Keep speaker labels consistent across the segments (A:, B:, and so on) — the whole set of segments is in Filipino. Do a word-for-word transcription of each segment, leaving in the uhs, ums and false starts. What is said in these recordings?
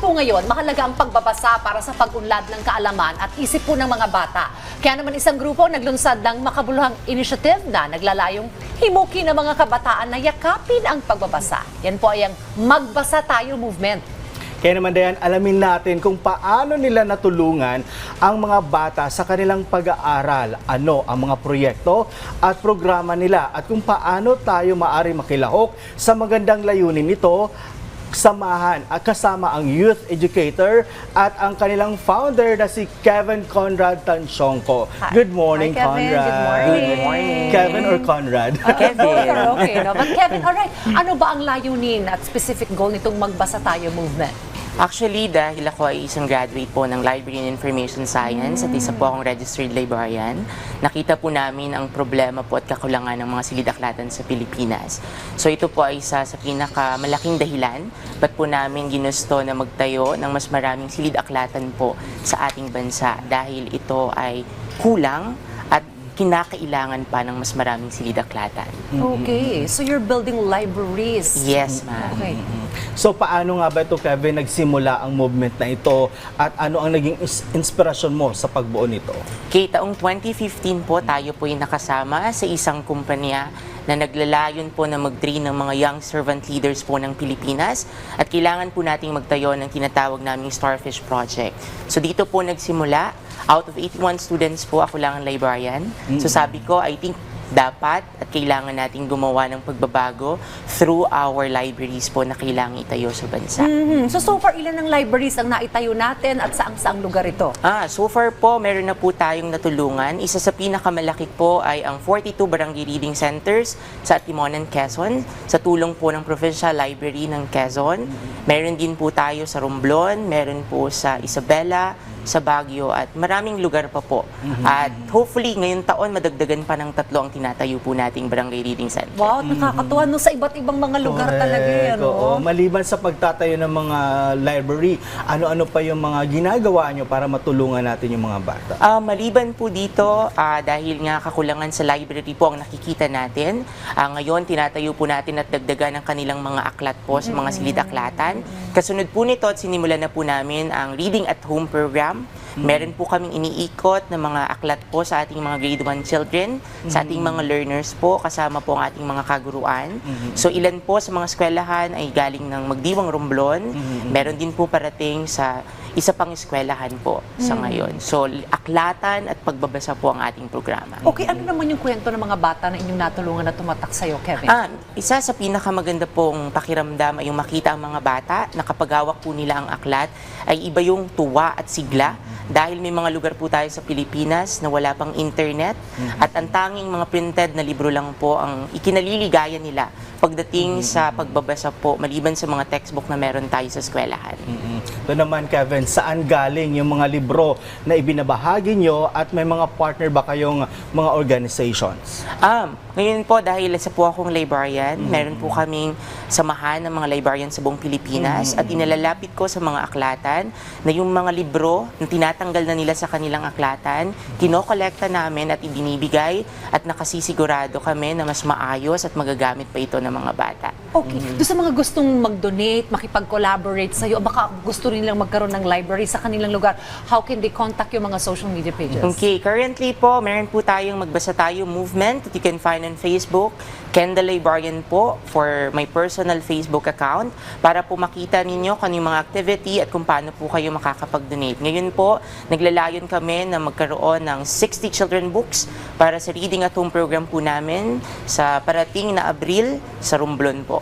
A: po ngayon, mahalaga ang pagbabasa para sa pag-unlad ng kaalaman at isip po ng mga bata. Kaya naman isang grupo naglunsad ng makabuluhang initiative na naglalayong himukin ng mga kabataan na yakapin ang pagbabasa. Yan po ay ang Magbasa Tayo Movement.
B: Kaya naman Dayan, alamin natin kung paano nila natulungan ang mga bata sa kanilang pag-aaral, ano ang mga proyekto at programa nila at kung paano tayo maari makilahok sa magandang layunin nito, samahan at kasama ang youth educator at ang kanilang founder na si Kevin Conrad Tansyongco. Good morning,
A: Hi, Kevin.
B: Conrad.
A: Good morning.
C: Good morning.
B: Kevin or Conrad?
A: Uh,
C: Kevin.
A: Okay, no? But Kevin, alright, ano ba ang layunin at specific goal nitong Magbasa Tayo Movement?
C: Actually, dahil ako ay isang graduate po ng Library and Information Science at isa po akong registered librarian, nakita po namin ang problema po at kakulangan ng mga silid-aklatan sa Pilipinas. So ito po ay isa sa pinakamalaking dahilan ba't po namin ginusto na magtayo ng mas maraming silid-aklatan po sa ating bansa dahil ito ay kulang at kinakailangan pa ng mas maraming silid-aklatan.
A: Okay, so you're building libraries.
C: Yes, ma'am.
A: Okay.
B: So paano nga ba ito, Kevin, nagsimula ang movement na ito at ano ang naging is- inspirasyon mo sa pagbuo nito?
C: Kay taong twenty fifteen po, tayo po ay nakasama sa isang kumpanya na naglalayon po na mag-train ng mga young servant leaders po ng Pilipinas at kailangan po nating magtayo ng tinatawag naming Starfish Project. So dito po nagsimula, out of eighty-one students po, ako lang ang librarian. So sabi ko, I think dapat at kailangan nating gumawa ng pagbabago through our libraries po na kailangan itayo sa bansa.
A: Mhm. So, so far, ilan ang libraries ang naitayo natin at saang-saang lugar ito?
C: Ah, so far po, meron na po tayong natulungan. Isa sa pinakamalaki po ay ang forty-two Barangay Reading Centers sa Timonan, Quezon, sa tulong po ng Provincial Library ng Quezon. Meron din po tayo sa Romblon, meron po sa Isabela, sa Baguio at maraming lugar pa po. At hopefully, ngayong taon, madagdagan pa ng tatlo ang tinatayo po nating Barangay Reading Center.
A: Wow, nakakatuwa no, sa iba't ibang mga lugar talaga yan.
B: Correct, oo.
A: No?
B: Maliban sa pagtatayo ng mga library, ano-ano pa yung mga ginagawa nyo para matulungan natin yung mga bata?
C: Ah, maliban po dito, ah, dahil nga kakulangan sa library po ang nakikita natin, ah, ngayon tinatayo po natin at dagdagan ang kanilang mga aklat po sa mga silid-aklatan. Kasunod po nito at sinimulan na po namin ang Reading at Home program. Meron po kaming iniikot na mga aklat po sa ating mga grade one children, sa ating mga learners po, kasama po ang ating mga kaguruan. So ilan po sa mga eskwelahan ay galing ng Magdiwang Romblon, meron din po parating sa isa pang eskwelahan po sa ngayon. So aklatan at pagbabasa po ang ating programa.
A: Okay, ano naman yung kwento ng mga bata na inyong natulungan na tumatak sa'yo, Kevin?
C: Ah, isa sa pinakamaganda pong pakiramdam ay yung makita ang mga bata na kapag hawak po nila ang aklat ay iba yung tuwa at sigla dahil may mga lugar po tayo sa Pilipinas na wala pang internet at ang tanging mga printed na libro lang po ang ikinaliligaya nila pagdating sa pagbabasa po maliban sa mga textbook na meron tayo sa eskwelahan.
B: Ito naman, Kevin, saan galing yung mga libro na ibinabahagi nyo at may mga partner ba kayong mga organizations?
C: Um, ngayon po, dahil isa po akong librarian, meron po kaming samahan ng mga librarian sa buong Pilipinas at inalalapit ko sa mga aklatan na yung mga libro na tinatanggal na nila sa kanilang aklatan, kinokolekta namin at ibinibigay at nakasisigurado kami na mas maayos at magagamit pa ito ng mga bata.
A: Okay, doon sa mga gustong mag-donate, makipag-collaborate sa'yo, baka gusto rin nilang magkaroon ng library sa kanilang lugar, how can they contact yung mga social media pages?
C: Okay, currently po, meron po tayong Magbasa Tayo movement that you can find on Facebook. Ken the Librarian po for my personal Facebook account para po makita ninyo kung yung mga activity at kung paano po kayo makakapag-donate. Ngayon po, naglalayon kami na magkaroon ng sixty children books para sa Reading at Home program po namin sa parating na Abril sa Romblon po.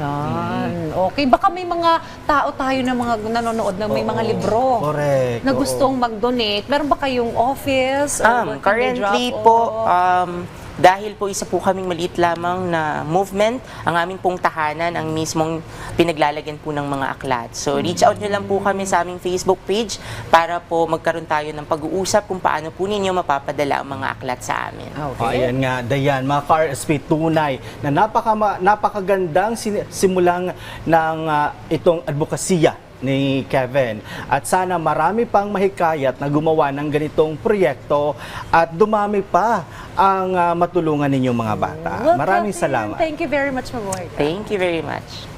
A: Yan. Okay, baka may mga tao tayo na mga nanonood na may mga libro
B: Correct.
A: na
B: oo.
A: gustong mag-donate. Meron ba kayong office? Or
C: Um,
A: where can they
C: currently
A: drop
C: po,
A: off?
C: um, dahil po isa po kaming maliit lamang na movement, ang aming pong tahanan ang mismong pinaglalagyan po ng mga aklat. So reach out nyo lang po kami sa aming Facebook page para po magkaroon tayo ng pag-uusap kung paano po ninyo mapapadala ang mga aklat sa amin.
B: Oh, ayan nga, Dayan, mga K R S P, tunay na napaka, napakagandang sin- simulang ng uh, itong advokasya ni Kevin. At sana marami pang mahikayat na gumawa ng ganitong proyekto at dumami pa ang uh, matulungan ninyong mga bata.
A: Well,
B: Maraming
A: Kevin,
B: salamat.
A: Thank you very much, Mabuhay ka.
C: Thank you very much.